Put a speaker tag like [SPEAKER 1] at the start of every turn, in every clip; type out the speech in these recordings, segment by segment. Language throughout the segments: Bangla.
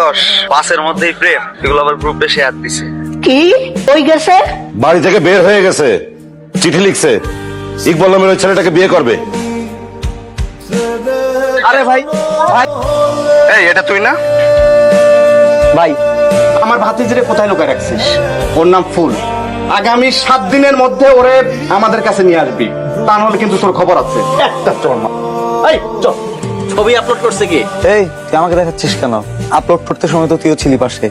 [SPEAKER 1] যশ পাসের মধ্যেই প্রেম, এগুলো আবার গ্রুপে শেয়ার দিছে।
[SPEAKER 2] কি ওই গেছে?
[SPEAKER 3] বাড়ি থেকে বের হয়ে গেছে, চিঠি লিখছে ইকবাল নামের ওই ছেলেটাকে বিয়ে করবে।
[SPEAKER 4] আরে ভাই ভাই
[SPEAKER 1] এই এটা তুই না?
[SPEAKER 4] ভাই আমার ভাতিজিরে কোথায় লুকায় রাখছিস? ওর নাম ফুল। আগামী 7 দিনের মধ্যে ওরে আমাদের কাছে নিয়ে আসবি, তা নাহলে কিন্তু তোর খবর আছে। একটা চল না, এই চল।
[SPEAKER 5] ছবি আপলোড করছে কি?
[SPEAKER 6] এই তুই আমাকে দেখাচ্ছিস কেন? আপলোড করতে সময় তো তুইও ছিলি পাশে।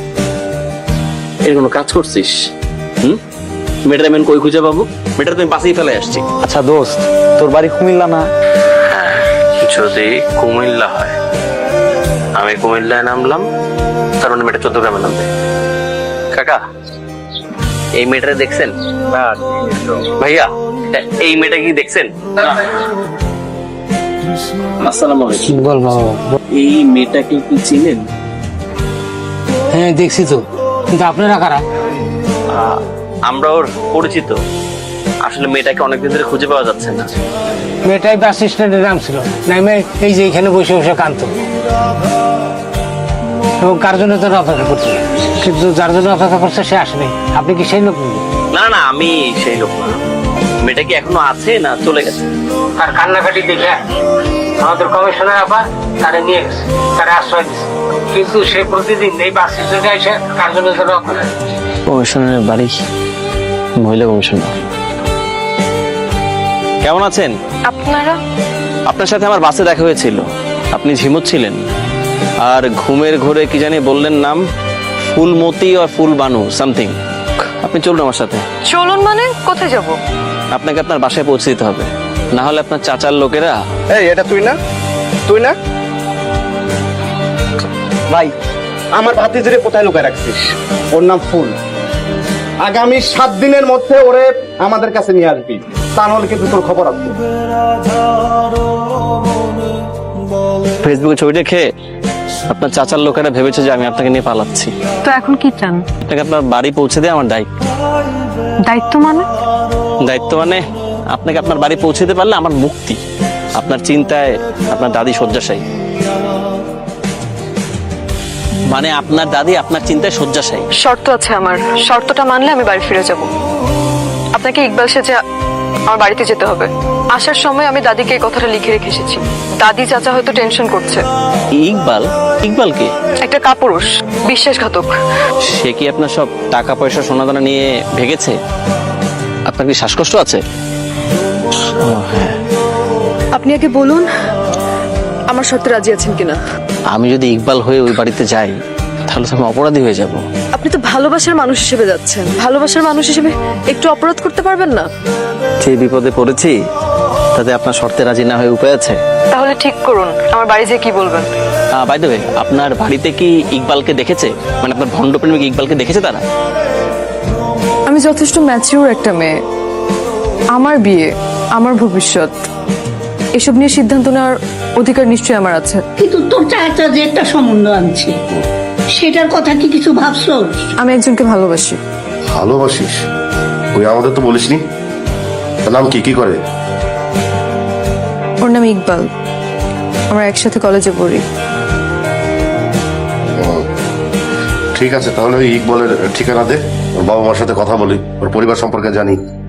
[SPEAKER 5] এর কোনো কাজ করছিস? মেয়েটার আমি কই খুঁজে পাবো? মেয়েটা তুমি পাশেই ফেলে আসছি।
[SPEAKER 6] আচ্ছা দোস্ত, তোর বাড়ি কুমিল্লা না?
[SPEAKER 5] যদি কুমিল্লা হয়, আমি কুমিল্লায় নামলাম, তার মানে মেয়েটা চট্টগ্রামে নামবে। কাকা, এই মেয়েটা দেখছেন? ভাইয়া, এই মেয়েটা কি দেখছেন? আসসালামু আলাইকুম।
[SPEAKER 7] বল বাবা।
[SPEAKER 5] এই মেয়েটাকে কি চিনেন?
[SPEAKER 7] হ্যাঁ দেখছি তো, কিন্তু আপনারা কারা?
[SPEAKER 5] আমরা ওর পরিচিত। আসলে মেয়েটাকে অনেকদিন ধরে খুঁজে পাওয়া যাচ্ছে না।
[SPEAKER 7] মেয়েটাই বাস স্ট্যান্ডে নাম ছিল, নামে এই যে এখানে বসে বসে কাঁদত, এবং কার জন্য তোর অপেক্ষা করছে, কিন্তু যার জন্য অপেক্ষা করছে সে আসেনি। আপনি কি সেই লোক?
[SPEAKER 5] না না, আমি সেই লোক না। মেয়েটা কি এখনো আছে না চলে গেছে?
[SPEAKER 7] তার কান্নাকাটি দেখে আমাদের কমিশনার আবার তারে নিয়ে গেছে, তারে আশ্রয় দিচ্ছে, কিন্তু সে প্রতিদিন এই বাস স্ট্যান্ডে এসে কার জন্য যেন অপেক্ষা।
[SPEAKER 5] কমিশনারের বাড়ি, মহিলা কমিশনার। কেমন আছেন
[SPEAKER 8] আপনারা?
[SPEAKER 5] আপনার সাথে আমার বাসে দেখা হয়েছিল, আপনি ঝিমুচ্ছিলেন, আর ঘুমের ঘোরে কি জানি বললেন নাম, ফুলমতি আর ফুলবানু সামথিং। আপনি চলুন আমার সাথে।
[SPEAKER 8] চলুন মানে কোথায় যাব?
[SPEAKER 5] আপনাকে আপনার বাসায় পৌঁছে দিতে হবে, না হলে আপনার চাচার লোকেরা।
[SPEAKER 4] এই এটা তুই না? তুই না? ভাই আমার ভাতিজিরে কোথায় লুকায় রাখছিস? ওর নাম ফুল। আগামী 7 দিনের মধ্যে ওরে আমাদের কাছে নিয়ে আসবি, তা নাহলে কিন্তু তোর খবর আছে।
[SPEAKER 5] ফেসবুকে ছবি দেখে আপনার চাচার লোকেরা ভেবেছে যে আমি আপনাকে নিয়ে পালাচ্ছি।
[SPEAKER 8] তো এখন কি চান?
[SPEAKER 5] আপনাকে আপনার বাড়ি পৌঁছে দেয় আমার দায়িত্ব।
[SPEAKER 8] দায়িত্ব মানে?
[SPEAKER 5] দায়িত্ব মানে আপনাকে আপনার বাড়ি পৌঁছে দিতে পারলে আমার মুক্তি। আপনার চিন্তায় আপনার দাদি শয্যাশায়ী, মানে আপনার দাদি আপনার চিন্তায় শয্যাশায়ী।
[SPEAKER 8] শর্ত আছে আমার, শর্তটা মানলে আমি বাড়ি ফিরে যাব। আপনাকে ইকবাল সেজে আমার বাড়িতে যেতে হবে। আসার সময় আমি দাদিকে এই কথাটা লিখে রেখে এসেছি। দাদি চাচা হয়তো টেনশন করছে।
[SPEAKER 5] ইকবাল? ইকবাল কে?
[SPEAKER 8] একটা কাপুরুষ, বিশ্বাসঘাতক।
[SPEAKER 5] সে কি আপনার সব টাকা পয়সা সোনাদানা নিয়ে ভেগেছে? আপনার কি শ্বাসকষ্ট আছে?
[SPEAKER 8] আপনি আগে বলুন আমার শর্তে রাজি আছেন কিনা।
[SPEAKER 5] আমি যদি ইকবাল হয়ে ওই বাড়িতে যাই তাহলে তো আমি অপরাধী হয়ে যাব।
[SPEAKER 8] আপনি তো ভালোবাসার মানুষ হিসেবে যাচ্ছেন, ভালোবাসার মানুষ হিসেবে একটু অপরাধ করতে পারবেন না?
[SPEAKER 5] যে বিপদে পড়েছি তাতে আপনার শর্তে রাজি না হয়ে উপায় আছে?
[SPEAKER 8] তাহলে ঠিক করুন আমার বাড়ি যেয়ে কি বলবেন।
[SPEAKER 5] বাই দ্য ওয়ে, আপনার বাড়িতে কি ইকবালকে দেখেছে? মানে আপনার ভণ্ড প্রেমিক ইকবালকে দেখেছে তারা?
[SPEAKER 8] আমি যথেষ্ট ম্যাচিউর একটা মেয়ে, আমার বিয়ে, আমার ভবিষ্যৎ, এসব নিয়ে সিদ্ধান্ত নেওয়ার অধিকার নিশ্চয়ই আমার আছে।
[SPEAKER 2] কিন্তু তোর চাচা যে একটা সম্বন্ধ আনছে, সেটার কথা কি কিছু ভাবছোস?
[SPEAKER 8] আমি একজনকে ভালোবাসি।
[SPEAKER 3] ভালোবাসিস? ওই আমাদের তো বলিসনি। তার নাম কি? কি করে?
[SPEAKER 8] ওর নাম ইকবাল, আমরা একসাথে কলেজে পড়ি।
[SPEAKER 3] ঠিক আছে, তাহলে ওই ইকবালের ঠিকানা দে, ওর বাবা মার সাথে কথা বলি, ওর পরিবার সম্পর্কে জানি।